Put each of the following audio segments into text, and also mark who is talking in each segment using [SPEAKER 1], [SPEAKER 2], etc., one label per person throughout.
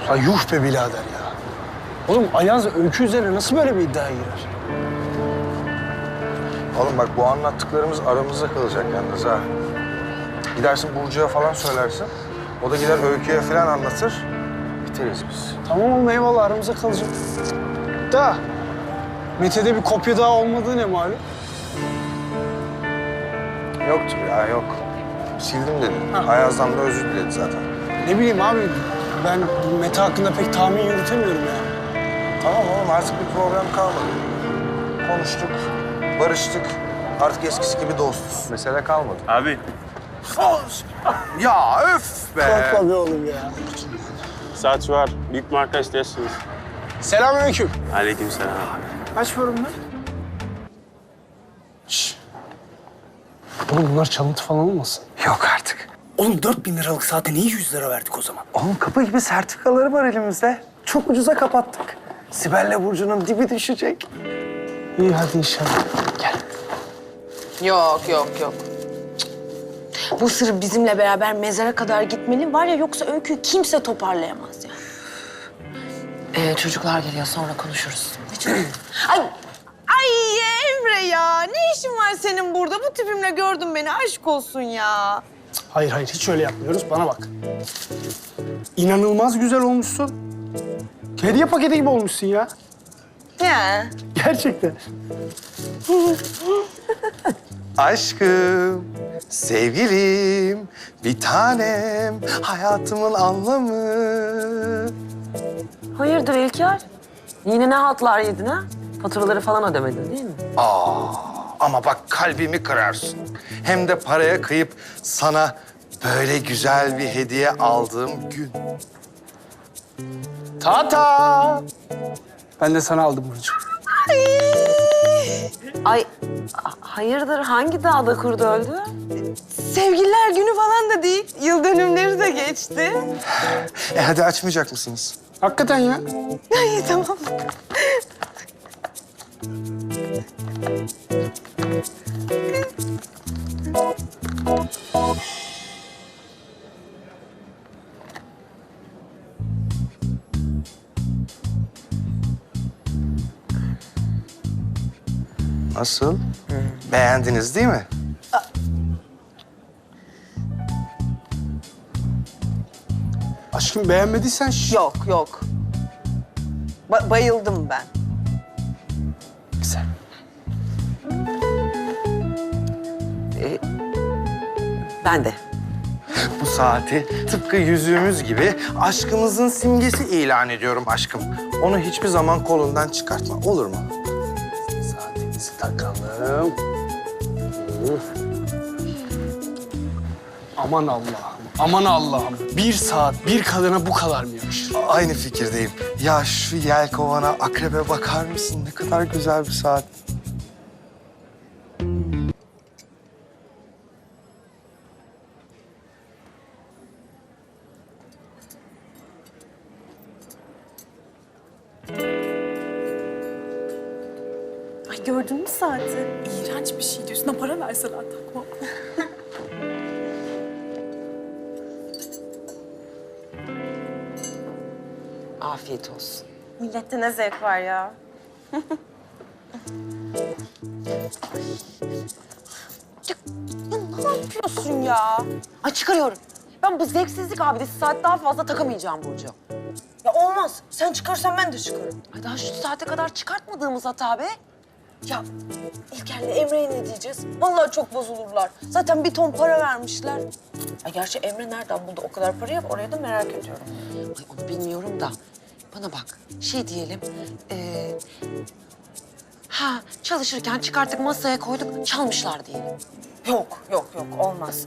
[SPEAKER 1] Ha yuh be birader ya. Oğlum Ayaz Öykü üzerine nasıl böyle bir iddiaya girer?
[SPEAKER 2] Oğlum bak bu anlattıklarımız aramızda kalacak yalnız ha. Gidersin Burcu'ya falan söylersin. O da gider Öykü'ye falan anlatır. Biteriz biz.
[SPEAKER 1] Tamam oğlum eyvallah aramızda kalacak. Da Mete'de bir kopya daha olmadığı ne malum?
[SPEAKER 2] Yoktur ya yok. Sildim dedi.
[SPEAKER 1] Ha.
[SPEAKER 2] Ayaz'dan da özür diledi zaten.
[SPEAKER 1] Ne bileyim abi ben Mete hakkında pek tahmin yürütemiyorum yani.
[SPEAKER 2] Tamam oğlum artık bir problem kalmadı. Konuştuk, barıştık. Artık eskisi gibi dostuz. Mesele kalmadı.
[SPEAKER 3] Abi
[SPEAKER 2] Ya öf be!
[SPEAKER 1] Korkma be oğlum ya.
[SPEAKER 3] saat var. Büyük marka istersiniz.
[SPEAKER 1] Selamünaleyküm.
[SPEAKER 3] Aleykümselam.
[SPEAKER 1] Kaç var bunlar? Şşş. Oğlum bunlar çalıntı falan olmasın?
[SPEAKER 4] Yok artık.
[SPEAKER 1] Oğlum 4.000 liralık saate niye 100 lira verdik o zaman?
[SPEAKER 4] Oğlum kapı gibi sertifikaları var elimizde. Çok ucuza kapattık. Sibel'le Burcu'nun dibi düşecek.
[SPEAKER 1] İyi hadi inşallah. Gel.
[SPEAKER 5] Yok. Cık. Bu sır bizimle beraber mezara kadar gitmeli var ya yoksa Öykü'yü kimse toparlayamaz ya. Çocuklar geliyor sonra konuşuruz.
[SPEAKER 6] Ay Emre ya, ne işin var senin burada? Bu tipimle gördün beni, aşk olsun ya.
[SPEAKER 1] Hayır hiç öyle yapmıyoruz. Bana bak. İnanılmaz güzel olmuşsun. Hediye paketi gibi olmuşsun ya.
[SPEAKER 6] Ya.
[SPEAKER 1] Gerçekten.
[SPEAKER 4] Aşkım, sevgilim, bir tanem, hayatımın anlamı.
[SPEAKER 5] Hayırdır İlker? Yine ne haltlar yedin ha? Faturaları falan ödemedin değil mi?
[SPEAKER 4] Ama bak kalbimi kırarsın. Hem de paraya kıyıp sana böyle güzel bir hediye aldığım gün.
[SPEAKER 1] Tata. Ben de sana aldım Burcu.
[SPEAKER 5] Ay hayırdır hangi dağda kurdu öldü?
[SPEAKER 6] Sevgililer günü falan da değil, yıl dönümleri de geçti.
[SPEAKER 4] Hadi açmayacak mısınız?
[SPEAKER 1] Hakikaten ya.
[SPEAKER 6] Ay tamam.
[SPEAKER 4] Nasıl? Beğendiniz değil mi?
[SPEAKER 1] Aşkım beğenmediysen
[SPEAKER 6] Yok. Bayıldım ben.
[SPEAKER 1] Güzel.
[SPEAKER 5] Ben de.
[SPEAKER 4] Bu saati tıpkı yüzüğümüz gibi aşkımızın simgesi ilan ediyorum aşkım. Onu hiçbir zaman kolundan çıkartma, olur mu?
[SPEAKER 1] Saatimizi takalım. Aman Allah'ım, aman Allah'ım. 1 saat bir kadına bu kadar mı yakışır?
[SPEAKER 4] Aynı fikirdeyim. Ya şu yelkovana, akrebe bakar mısın? Ne kadar güzel bir saat.
[SPEAKER 6] Ay gördün mü saati?
[SPEAKER 7] İğrenç bir şeydi. Üstüne para verseler takma.
[SPEAKER 5] Afiyet olsun.
[SPEAKER 6] Millette ne zevk var ya.
[SPEAKER 5] Ne yapıyorsun ya? Ay çıkarıyorum. Ben bu zevksizlik abidesi saat daha fazla takamayacağım Burcu.
[SPEAKER 6] Ya olmaz. Sen çıkarsan ben de çıkarım.
[SPEAKER 5] Ay daha şu saate kadar çıkartmadığımız hata be.
[SPEAKER 6] Ya İlker'le Emre'ye ne diyeceğiz? Vallahi çok bozulurlar. Zaten bir ton para vermişler. Ya gerçi Emre nereden buldu o kadar parayı? Orayı da merak ediyorum.
[SPEAKER 5] Ay onu bilmiyorum da. Bana bak şey diyelim. Çalışırken çıkarttık masaya koyduk çalmışlar diyelim.
[SPEAKER 6] Yok olmaz.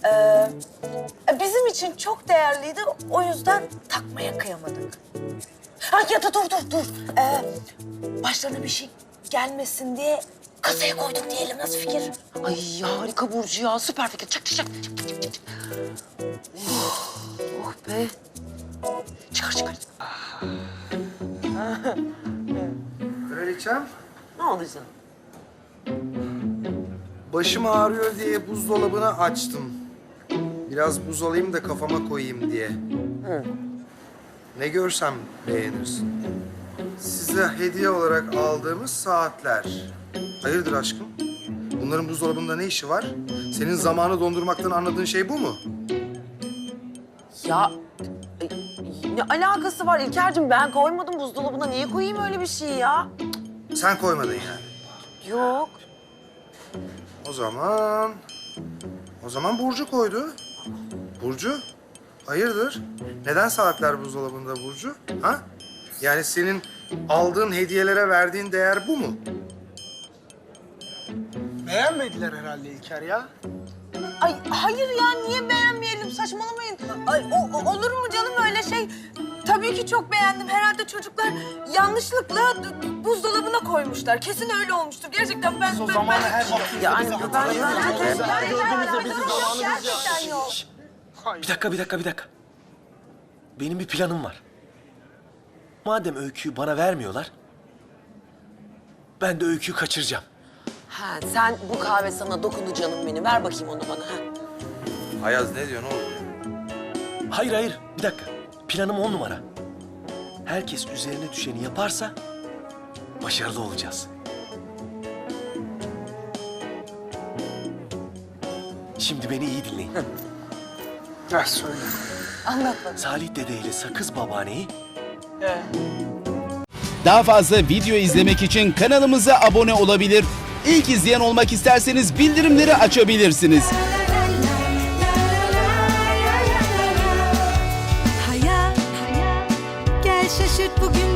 [SPEAKER 6] Bizim için çok değerliydi. O yüzden takmaya kıyamadık. Ha ya da dur. Başlarına bir şey gelmesin diye kasaya koyduk diyelim. Nasıl fikir?
[SPEAKER 5] Ay harika Burcu ya süper fikir. Çak. Oh be. Çıkar.
[SPEAKER 4] Kraliçem,
[SPEAKER 5] Ne oldu canım?
[SPEAKER 4] başım ağrıyor diye buzdolabını açtım. Biraz buz alayım da kafama koyayım diye. Ne görsem beğenirsin. Size hediye olarak aldığımız saatler. Hayırdır aşkım? Bunların buzdolabında ne işi var? Senin zamanı dondurmaktan anladığın şey bu mu?
[SPEAKER 5] Ya ne alakası var İlker'cim? Ben koymadım buzdolabına. Niye koyayım öyle bir şey ya?
[SPEAKER 4] Sen koymadın yani.
[SPEAKER 5] Yok.
[SPEAKER 4] O zaman Burcu koydu. Burcu, hayırdır? Neden saatler buzdolabında Burcu? Ha? Yani senin aldığın hediyelere verdiğin değer bu mu?
[SPEAKER 1] Beğenmediler herhalde İlker ya.
[SPEAKER 6] Ay hayır ya niye beğenmeyelim saçmalamayın. Ay, olur mu canım öyle şey? Tabii ki çok beğendim. Herhalde çocuklar yanlışlıkla buzdolabına koymuşlar. Kesin öyle olmuştur. Gerçekten ben...
[SPEAKER 1] O zaman her şey.
[SPEAKER 5] Yani ben
[SPEAKER 6] Gerçekten yok.
[SPEAKER 8] Bir dakika. Benim bir planım var. Madem öyküyü bana vermiyorlar, ben de öyküyü kaçıracağım.
[SPEAKER 5] Ha, sen bu kahve sana dokundu canım benim. Ver bakayım onu bana. Ha.
[SPEAKER 4] Ayaz ne diyorsun oğlum?
[SPEAKER 8] Hayır, bir dakika. Planım 10 numara. Herkes üzerine düşeni yaparsa başarılı olacağız. Şimdi beni iyi dinleyin.
[SPEAKER 1] Ver söyle.
[SPEAKER 8] Salih Dede ile Sakız Babaanneyi
[SPEAKER 9] Daha fazla video izlemek için kanalımıza abone olabilir. İlk izleyen olmak isterseniz bildirimleri açabilirsiniz.
[SPEAKER 10] Hayat, gel şaşırt bugün